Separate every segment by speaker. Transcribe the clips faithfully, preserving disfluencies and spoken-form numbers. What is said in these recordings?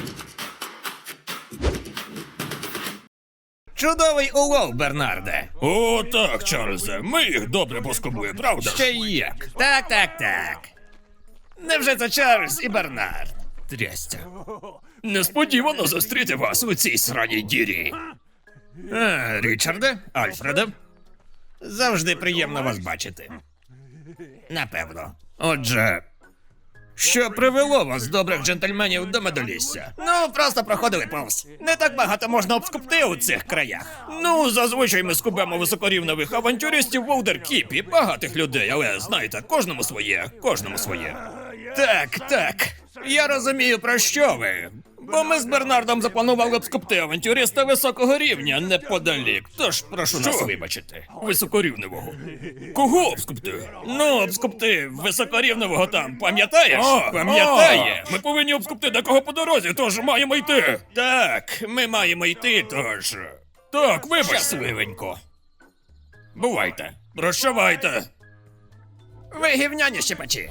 Speaker 1: Чудовий улов, Бернарде.
Speaker 2: О, так, Чарльзе, ми їх добре поскубли, правда?
Speaker 1: Ще й як. Так, так, так. Невже це Чарльз і Бернард? Трястя.
Speaker 2: Несподівано зустріти вас у цій сраній дірі.
Speaker 1: А, Річарде, Альфреде. Завжди приємно вас бачити. Напевно. Отже, що привело вас, добрих джентльменів, до медолісся? Ну, просто проходили повз. Не так багато можна обскупти у цих краях.
Speaker 2: Ну, зазвичай ми скубемо високорівневих авантюристів в Олдеркіпі, багатих людей, але знаєте, кожному своє, кожному своє.
Speaker 1: Так, так. Я розумію, про що ви.
Speaker 2: Бо ми з Бернардом запланували обскупти авантюриста високого рівня неподалік. Тож прошу нас вибачити. Високорівневого. Кого обскупти? Ну, обскупти високорівневого там, пам'ятаєш?
Speaker 1: О,
Speaker 2: Пам'ятає. Ми повинні обскупти декого по дорозі, тож маємо йти.
Speaker 1: Так, ми маємо йти, тож.
Speaker 2: Так, вибачте.
Speaker 1: Щасливенько.
Speaker 2: Бувайте. Прощавайте.
Speaker 1: Ви гівняні щепачі.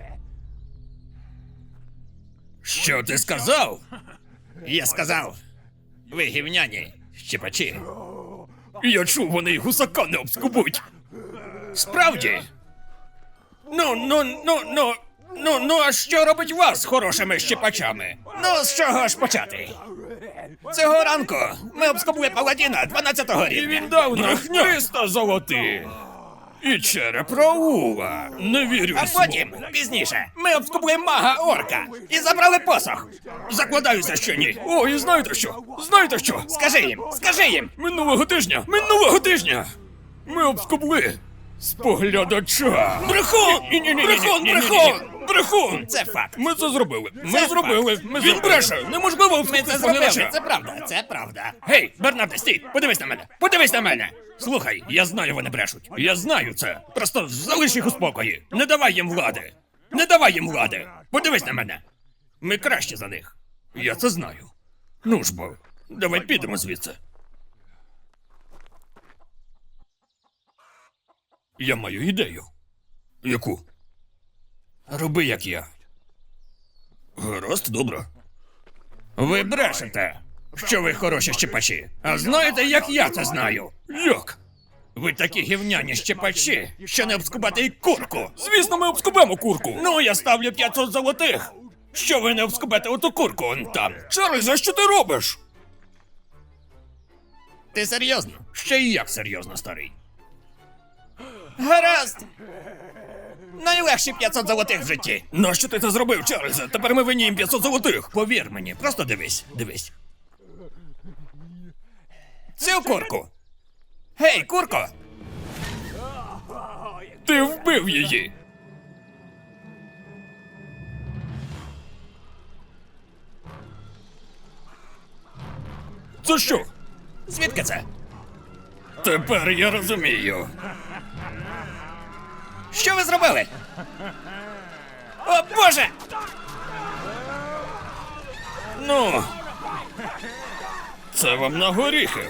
Speaker 2: Що ти сказав?
Speaker 1: Я сказав. Ви гівняні щепачі.
Speaker 2: Я чув, вони й гусака не обскубуть.
Speaker 1: Справді? Ну, ну, ну, ну, ну, ну, а що робить вас з хорошими щепачами? Ну, з чого ж почати? Цього ранку ми обскубли паладіна дванадцятого
Speaker 2: І
Speaker 1: рівня.
Speaker 2: він дав нам
Speaker 1: Брехня.
Speaker 2: триста золотих. І череп Раула. Не вірю
Speaker 1: А
Speaker 2: в слово.
Speaker 1: потім, пізніше, ми обскубли мага орка і забрали посох.
Speaker 2: Закладаюся, що ні. О, і знаєте що? Знаєте що?
Speaker 1: Скажи їм, скажи їм.
Speaker 2: Минулого тижня, минулого тижня ми обскубли споглядача.
Speaker 1: Брехун!
Speaker 2: Ні-ні-ні-ні-ні-ні-ні-ні.
Speaker 1: Брехун, брехун!
Speaker 2: Брехун!
Speaker 1: Це факт.
Speaker 2: Ми це зробили. Ми
Speaker 1: Це
Speaker 2: зробили.
Speaker 1: факт.
Speaker 2: Ми
Speaker 1: Він
Speaker 2: Він бреше. Неможливо
Speaker 1: Ми
Speaker 2: обскубти
Speaker 1: це зробили,
Speaker 2: споглядача.
Speaker 1: це правда, це правда.
Speaker 2: Гей, Бернарде, стій! Подивись на мене! Подивись на мене! Слухай, я знаю, вони брешуть. Я знаю це. Просто залиш їх у спокої. Не давай їм влади. Не давай їм влади. Подивись на мене. Ми краще за них. Я це знаю. Ну ж бо, давай підемо звідси. Я маю ідею. Яку? Роби, як я. Гаразд, добре.
Speaker 1: Ви брешете, що ви хороші щепачі. А знаєте, як я це знаю?
Speaker 2: Як?
Speaker 1: Ви такі гівняні щепачі, що не обскубати й курку.
Speaker 2: Звісно, ми обскубемо курку.
Speaker 1: Ну, я ставлю п'ятсот золотих. Що ви не обскубете оту курку он там?
Speaker 2: Чарльз, а що ти робиш?
Speaker 1: Ти серйозно?
Speaker 2: Ще й як серйозно, старий.
Speaker 1: Гаразд. Найлегші п'ятсот золотих в житті.
Speaker 2: Нащо ти це зробив, Чарльзе? Тепер ми винні їм п'ятсот золотих.
Speaker 1: Повір мені, просто дивись, дивись. Цю курку. Гей, курко!
Speaker 2: Ти вбив її. Це що?
Speaker 1: Звідки це?
Speaker 2: Тепер я розумію.
Speaker 1: Що ви зробили? О, Боже!
Speaker 2: Ну, це вам на горіхи.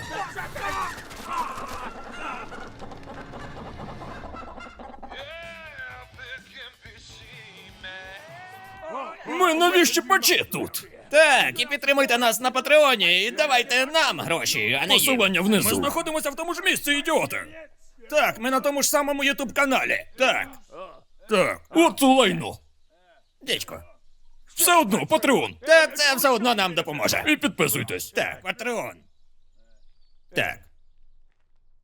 Speaker 2: Ми нові щепачі тут.
Speaker 1: Так, і підтримуйте нас на Патреоні, і давайте нам гроші, а не їм.
Speaker 2: Посилання внизу. Ми знаходимося в тому ж місці, ідіоти.
Speaker 1: Так, ми на тому ж самому ютуб-каналі. Так.
Speaker 2: Так, от лайно.
Speaker 1: Дідько.
Speaker 2: Все одно, Патреон.
Speaker 1: Так, це все одно нам допоможе.
Speaker 2: І підписуйтесь.
Speaker 1: Так, Патреон. Так.